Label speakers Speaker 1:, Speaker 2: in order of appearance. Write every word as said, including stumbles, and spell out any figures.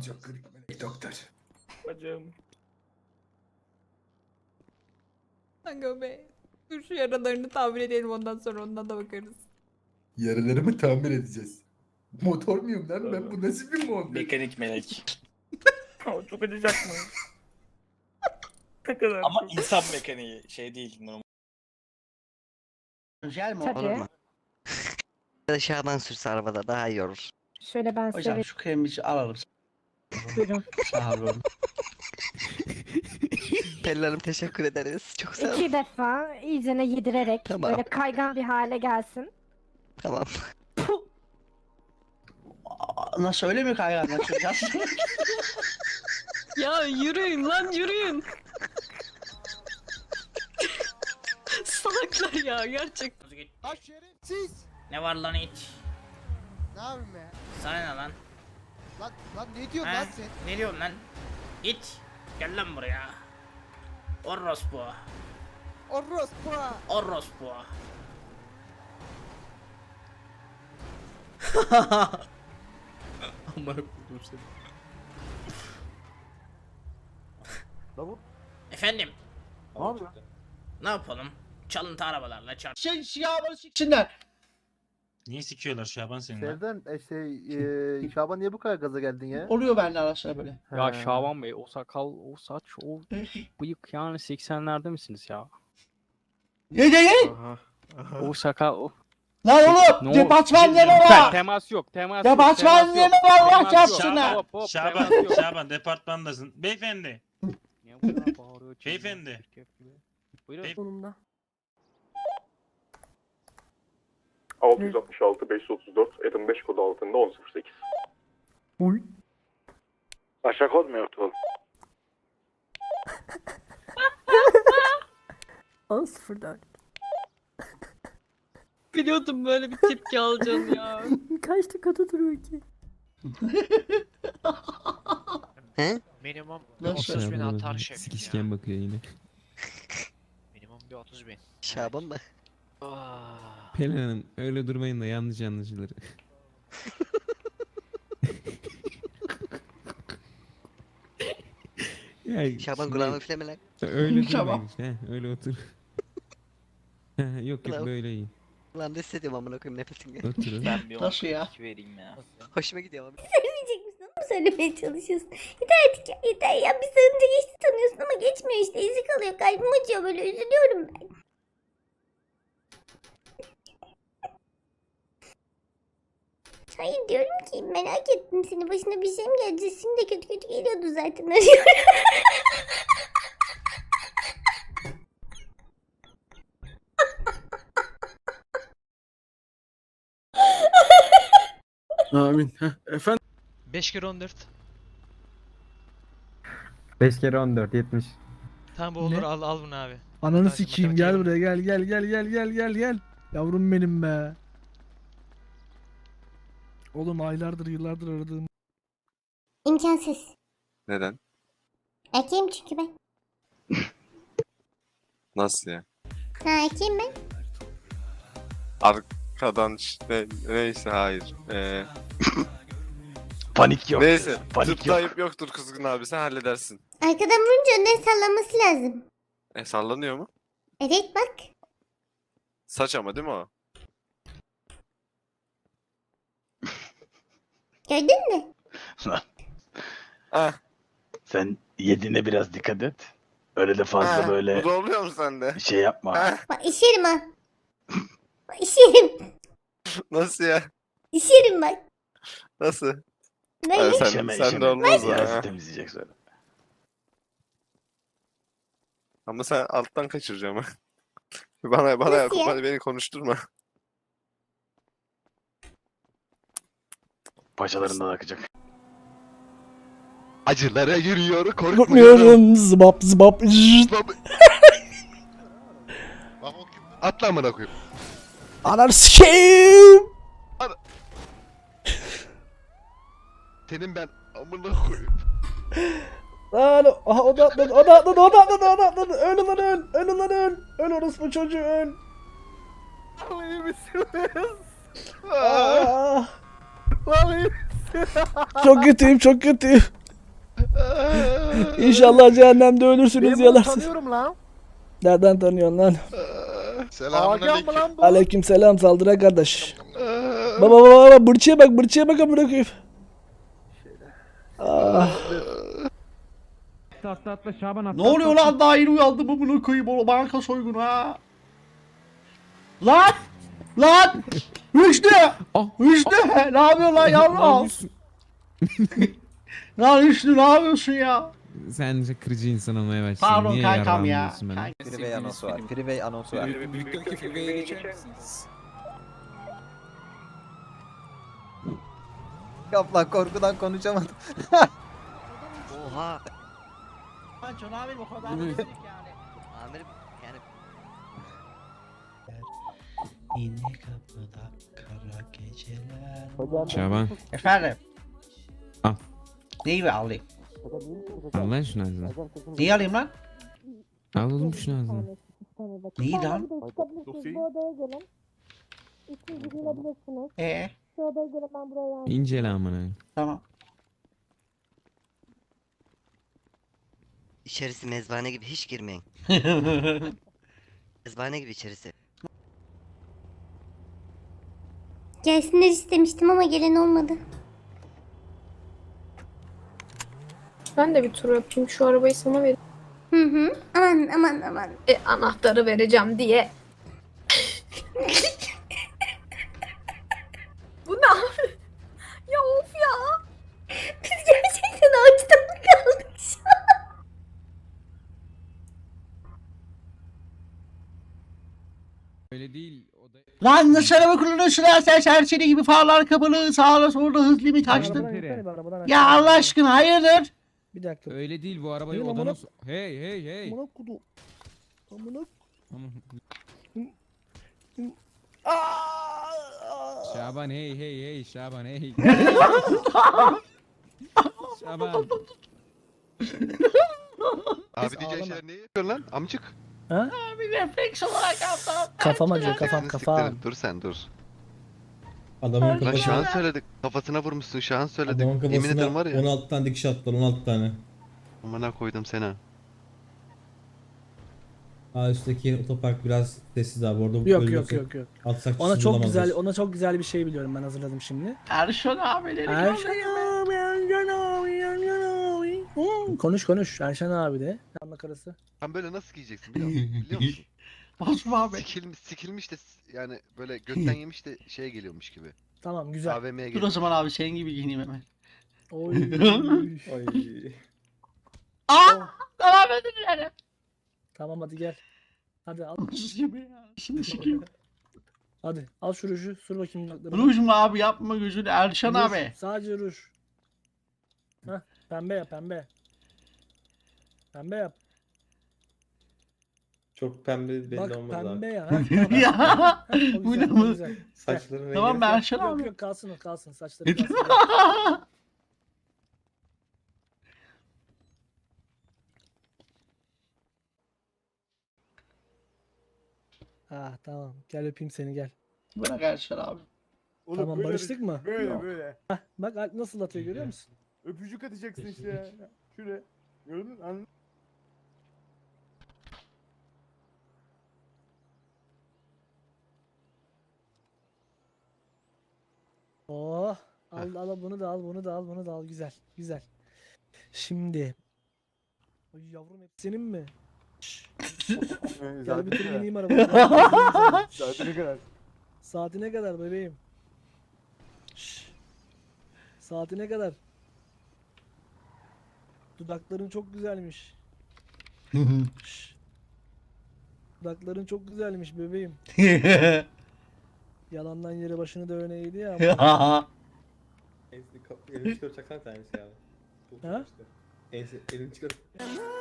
Speaker 1: çok kırık melek doktor.
Speaker 2: Bacım.
Speaker 3: Aga be. Dur şu yaralarını tamir edelim, ondan sonra ondan da bakarız.
Speaker 1: Yaralarımı tamir edeceğiz. Motor muyum lan ben? Bu nasıl bir mod?
Speaker 2: Mekanik melek. Ama çok acıyacak mı? Ne kadar
Speaker 4: Ama
Speaker 2: çok.
Speaker 4: insan mekaniği şey değil normal.
Speaker 5: Gel mi?
Speaker 6: Tabii.
Speaker 5: Olur mu?
Speaker 6: Dışarıdan sürse arabada daha iyi olur. Şöyle ben size
Speaker 5: Hocam şu kremi alalım.
Speaker 6: buyurun.
Speaker 5: Sağ olun.
Speaker 6: Pelin teşekkür ederiz. Çok sağ olun.
Speaker 7: İki defa iyicene yedirerek
Speaker 6: Tamam.
Speaker 7: böyle kaygan bir hale gelsin.
Speaker 6: Tamam.
Speaker 5: Aa, nasıl öyle mi kaygan açacağız?
Speaker 3: Ya yürüyün lan, yürüyün. Salaklar ya, gerçekten.
Speaker 8: Ha şerefsiz.
Speaker 9: Ne var lan it?
Speaker 8: Ne yapayım be?
Speaker 9: Sana ne lan?
Speaker 8: Lan, lan ne diyorsun
Speaker 9: He?
Speaker 8: lan sen?
Speaker 9: Ne diyorsun lan? İt. Gel lan buraya. Orospu.
Speaker 8: Orospu.
Speaker 9: Orospu.
Speaker 4: Amına koydum seni.
Speaker 9: Efendim,
Speaker 4: Ne yapıyor?
Speaker 9: ne yapalım? Çalıntı arabalarla çarp.
Speaker 5: Şey şiyabanı siksinler.
Speaker 10: Niye sikiyorlar Şaban seni?
Speaker 8: Sevden e, şey e, Şaban niye bu kadar gaza geldin ya?
Speaker 5: Oluyor bende ara sıra böyle.
Speaker 11: Ya
Speaker 8: He.
Speaker 11: Şaban Bey, o sakal, o saç, o bıyık yani seksenlerde misiniz ya?
Speaker 5: Ne değil?
Speaker 8: Aha.
Speaker 11: O sakal, o...
Speaker 5: Lan oğlum!
Speaker 11: Ne
Speaker 5: Departman
Speaker 11: oldu?
Speaker 5: neme
Speaker 11: Te-
Speaker 5: var!
Speaker 11: Temas yok, temas yok,
Speaker 5: Departman
Speaker 11: temas
Speaker 5: neme
Speaker 11: yok,
Speaker 5: var Allah
Speaker 11: temas yok.
Speaker 5: çarpsına!
Speaker 11: Hop, hop,
Speaker 10: Şaban,
Speaker 11: temas yok.
Speaker 10: Şaban departmandasın. Beyefendi,
Speaker 11: Niye bu kadar bağırıyor, çığırıyor,
Speaker 10: Beyefendi.
Speaker 11: çirkef gibi? Buyurun.
Speaker 10: Bey-
Speaker 6: Sonunda.
Speaker 2: altı yüz altmış altı beş yüz otuz dört Edim beş kodu altında on sıfır sekiz.
Speaker 4: Aşağı kod mu yoktu oğlum?
Speaker 7: on sıfır dört.
Speaker 3: Biliyordum böyle bir tepki alacağını ya.
Speaker 7: Kaç dakikada duruyor ki?
Speaker 6: He?
Speaker 12: Minimum
Speaker 5: Nasıl?
Speaker 12: otuz bin atar şefim ya.
Speaker 10: Sikişken bakıyor yine.
Speaker 12: Minimum bir otuz bin.
Speaker 6: Şaban mı?
Speaker 12: Ah.
Speaker 10: Pelin Hanım öyle durmayın da yanlış anlaşılır. ya,
Speaker 6: Şaban
Speaker 10: şimdi
Speaker 6: kulağımı üfleme lan.
Speaker 10: Öyle
Speaker 5: Şaban.
Speaker 10: durmayın işte. he, Öyle otur. yok yok
Speaker 6: Ulan.
Speaker 10: böyle iyi.
Speaker 6: Ulan ne hissediyorum amına koyayım nefesim.
Speaker 10: Oturun.
Speaker 4: Ben bir
Speaker 5: Nasıl ya?
Speaker 4: on vereyim ya.
Speaker 6: Hoşuma gidiyor abi.
Speaker 7: Söylemeyecek misin? Onu mu söylemeye çalışıyorsun? Yeter artık ya, yeter ya. Bir sarınca geçti sanıyorsun ama geçmiyor işte. İzi kalıyor. Kalbim acıyor, böyle üzülüyorum ben. Hayır diyorum ki merak ettim seni. Başına bir şey mi gelecek? Sesim de kötü kötü geliyordu zaten. Arıyorum.
Speaker 8: Amin. Efendim?
Speaker 12: beş kere on dört.
Speaker 11: beş kere on dört, yetmiş.
Speaker 12: Tamam bu olur, al al bunu abi.
Speaker 8: Ananı
Speaker 12: Tamam,
Speaker 8: sikeyim gel
Speaker 12: matematik
Speaker 8: buraya gel gel gel gel gel gel gel. Yavrum benim be. Oğlum aylardır yıllardır aradığım.
Speaker 7: İmkansız.
Speaker 4: Neden?
Speaker 7: Erkeğim çünkü ben.
Speaker 4: Nasıl ya?
Speaker 7: Ha, erkeğim ben.
Speaker 4: Arkadan işte neyse hayır. Ee,
Speaker 12: Panik yok.
Speaker 4: neyse.
Speaker 12: Panik
Speaker 4: Tıpta ayıp yoktur kızgın abi sen halledersin.
Speaker 7: Arkadan vurunca önden sallaması lazım.
Speaker 4: E sallanıyor mu?
Speaker 7: Evet bak.
Speaker 4: Saç ama değil mi o?
Speaker 7: Gördün mü?
Speaker 4: Ah.
Speaker 12: Sen yediğine biraz dikkat et. Öyle de fazla
Speaker 4: ah,
Speaker 12: böyle
Speaker 4: Bu da oluyor mu sende?
Speaker 12: şey yapma.
Speaker 4: Ah,
Speaker 7: Bak işerim ha. Bak işerim.
Speaker 4: nasıl ya?
Speaker 7: İşerim bak.
Speaker 4: Nasıl?
Speaker 7: Böyle.
Speaker 4: Ha, sen,
Speaker 12: İşeme,
Speaker 4: sen de
Speaker 12: işeme.
Speaker 4: olmaz o.
Speaker 12: Yarısı
Speaker 4: ha.
Speaker 12: temizleyecek sonra.
Speaker 4: Ama sen alttan kaçıracağım ha. Bana bana
Speaker 7: Nasıl ya?
Speaker 4: bana beni konuşturma.
Speaker 12: Paçalarından akacak.
Speaker 4: Acılara yürüyor
Speaker 8: Korkmuyorum zıbap zıbap.
Speaker 4: Atla amına koyayım.
Speaker 8: Ananı sikeyim.
Speaker 4: Senin ben amına koyayım.
Speaker 8: Lan aha o da atladı o da atladı o da atladı o da atladı. Öl ulan öl. Öl ulan öl. Öl orospu çocuğu öl.
Speaker 4: İyi misiniz?
Speaker 8: Ah. Lan iyi misin? Çok kötüyüm, çok kötüyüm. İnşallah cehennemde ölürsünüz yalarsınız.
Speaker 5: tanıyorum lan.
Speaker 8: Nereden tanıyorsun lan?
Speaker 5: Agam mı lan bu?
Speaker 8: Aleykümselam saldıra kardeş. Baba baba baba bırçıya bak bırçıya bak amına koyayım. Ah.
Speaker 10: Atla atla Şaban atla.
Speaker 5: Ne oluyor lan, daha yeni uyandım mı bunu koyayım oğlum, banka soygunu ha. Lan! Lan! Rüştü! Rüştü! Ne yapıyorsun lan yavrum? Lan Rüştü ne yapıyorsun ya?
Speaker 10: Sence kırıcı insan olmaya başladın.
Speaker 5: Pardon
Speaker 10: Niye
Speaker 5: kankam
Speaker 10: yarrağımı
Speaker 5: ya.
Speaker 10: diyorsun bana?
Speaker 6: Freeway anonsu var. Freeway anonsu var. Kaplan korkudan konuşamadım. Oha.
Speaker 5: Lan Can abi o kadar da dedik yani.
Speaker 6: Amirim yani
Speaker 5: Yine kapıda kara geceler.
Speaker 10: Şaban.
Speaker 5: Efendim?
Speaker 10: Al.
Speaker 5: Neyi alayım?
Speaker 10: Al lan şunu ağzına.
Speaker 5: Neyi alayım lan?
Speaker 10: Al oğlum şunu ağzına.
Speaker 5: Neyi lan?
Speaker 7: Bu odaya gelin. İsminizi girebilirsiniz.
Speaker 5: Ee,
Speaker 7: Şu odaya gelin, ben buraya yazdım.
Speaker 10: İncele amına.
Speaker 5: tamam.
Speaker 6: içerisi mezbahane gibi hiç girmeyin. Mezbahane gibi içerisi.
Speaker 7: Gelsinler istemiştim ama gelen olmadı.
Speaker 3: Ben de bir tur yapayım. Şu arabayı sana vereyim.
Speaker 7: Hı hı. Aman aman aman.
Speaker 3: E, anahtarı vereceğim diye. Bu ne abi? Ya of ya.
Speaker 7: Biz gerçekten ağaçta mı kaldık şu an?
Speaker 10: Öyle değil. O da...
Speaker 5: Lan nasıl araba kullanıyorsun lan sen, serseri gibi farlar kapalı, sağla solda hız limit açtın.
Speaker 8: Arabadan insene bir, arabadan
Speaker 5: Ya
Speaker 8: aşağı.
Speaker 5: Allah aşkına hayırdır?
Speaker 8: Bir dakika.
Speaker 10: Öyle değil bu arabayı
Speaker 8: Benim
Speaker 10: odana...
Speaker 8: amına-
Speaker 10: so- Hey hey hey.
Speaker 8: Amına kudu. Amına.
Speaker 10: Tamam. Şaban hey hey hey Şaban hey. Şaban.
Speaker 4: Abi diyeceğin şeyler ne yapıyorsun lan amcık?
Speaker 5: Bir refleks olarak yaptım.
Speaker 8: Kafam acıyor kafam
Speaker 4: Seni
Speaker 8: kafam.
Speaker 4: siktirin, dur sen dur.
Speaker 13: Adamın
Speaker 4: Lan Şahan
Speaker 13: kafasına,
Speaker 4: söyledik. Kafasına vurmuşsun Şahan söyledik.
Speaker 13: adamın
Speaker 4: Yemin ederim
Speaker 13: kafasına
Speaker 4: var ya.
Speaker 13: on altı tane dikiş attılar, on altı tane.
Speaker 4: Amına koydum seni.
Speaker 13: Aa üstteki otopark biraz sessiz abi, orada
Speaker 8: Yok yok
Speaker 13: ölüyorsa
Speaker 8: yok yok.
Speaker 13: Atsak
Speaker 8: Ona
Speaker 13: kişi
Speaker 8: çok
Speaker 13: bulamazlar.
Speaker 8: güzel, ona çok güzel bir şey biliyorum, ben hazırladım şimdi.
Speaker 5: Erşan abileri
Speaker 8: Erşan abi, Erşan abi, Erşan abi. Hmm, konuş konuş, Erşan abi de. Damla karısı.
Speaker 4: Sen böyle nasıl giyeceksin biliyor musun? Biliyor musun?
Speaker 5: Basma abi.
Speaker 4: Sikilmiş, sikilmiş de s- yani böyle götten yemiş de şeye geliyormuş gibi.
Speaker 8: Tamam güzel.
Speaker 4: A V M'ye
Speaker 5: Dur o
Speaker 4: geliyor.
Speaker 5: zaman abi senin gibi giyineyim hemen.
Speaker 8: Oy.
Speaker 5: Aa! Devam edin yani.
Speaker 8: Tamam hadi gel. Hadi al.
Speaker 5: Gibi ya. Şimdi sikeyim.
Speaker 8: Hadi al şu ruju, sür bakayım dudaklarını.
Speaker 5: Ruj mu abi, yapma gözünü Erşan
Speaker 8: Ruj,
Speaker 5: abi.
Speaker 8: Sadece ruj. Hah, pembe yap pembe. Pembe yap.
Speaker 13: Çok pembe belli
Speaker 8: Bak
Speaker 13: olmaz
Speaker 8: pembe
Speaker 13: abi.
Speaker 8: ya. Hah, tamam.
Speaker 5: Ya.
Speaker 8: Hah, o
Speaker 5: Bu
Speaker 8: güzel,
Speaker 5: ne
Speaker 8: o
Speaker 5: bu?
Speaker 8: güzel.
Speaker 13: Saçların
Speaker 5: Tamam ben Erşan
Speaker 8: Yok
Speaker 5: abi.
Speaker 8: yok kalsın o kalsın, saçları kalsın. Ah tamam, gel öpeyim seni gel.
Speaker 5: Bırak Erşan abi.
Speaker 8: Tamam barıştık mı?
Speaker 1: Böyle böyle.
Speaker 8: Hah, bak Alp nasıl atıyor görüyor musun?
Speaker 1: Öpücük atacaksın işte ya. Şuraya. Gördün mü? Anladın mı?
Speaker 8: Oh, al al bunu da al, bunu da al, bunu da al. Güzel, güzel. Şimdi. Ay yavrum hep senin mi? Şşş, gel bir tur bineyim arabaya.
Speaker 1: Saatine kadar.
Speaker 8: Saatine kadar bebeğim. Şşş. Saatine kadar. Dudakların çok güzelmiş. Şşş. Dudakların çok güzelmiş bebeğim. Yalandan yere başını dövene eğdi ya. ama-
Speaker 13: Elini çıkartacaksan tanesi abi.
Speaker 8: Ha?
Speaker 13: Elini çıkart.